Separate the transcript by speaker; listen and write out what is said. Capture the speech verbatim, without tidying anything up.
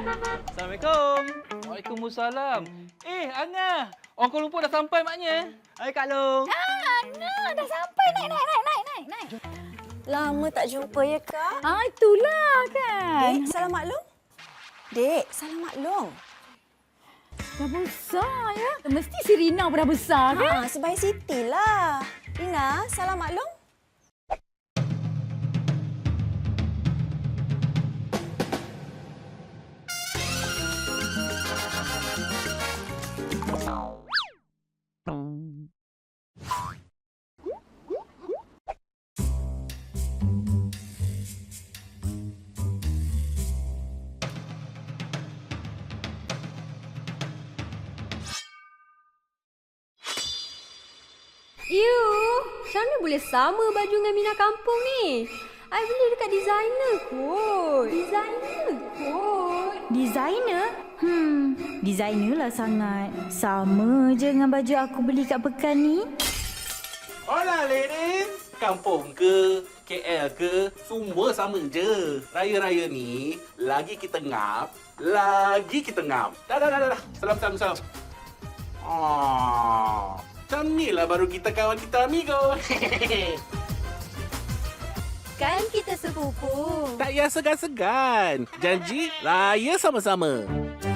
Speaker 1: Assalamualaikum. Waalaikumsalam. Eh, Angah. Orang Kuala Lumpur dah sampai maknya. Hai Kak Long.
Speaker 2: Ah, nah, dah sampai. Naik, naik, naik, naik, naik, naik.
Speaker 3: Lama tak jumpa ya, Kak?
Speaker 2: Ah, itulah kan.
Speaker 3: Dek, salam maklum. Dek, salam maklum.
Speaker 2: Dah besar ya. Mesti si Rina pun dah besar kan?
Speaker 3: Ha, sebaik Siti lah. Rina, salam maklum.
Speaker 4: You, macam mana boleh sama baju dengan Mina kampung ni? I beli dekat designer kot. Designer kot.
Speaker 5: Designer? Hmm, designer lah sangat. Sama je dengan baju aku beli kat Pekan ni.
Speaker 6: Hola ladies. Kampung ke, K L ke, semua sama je. Raya-raya ni, lagi kita ngap, lagi kita ngam. Dah, dah, dah, dah. Salam, salam, salam. Ah, macam ni lah baru kita kawan kita amigo.
Speaker 4: Kan kita sepupu.
Speaker 6: Tak payah segan-segan. Janji, raya sama-sama.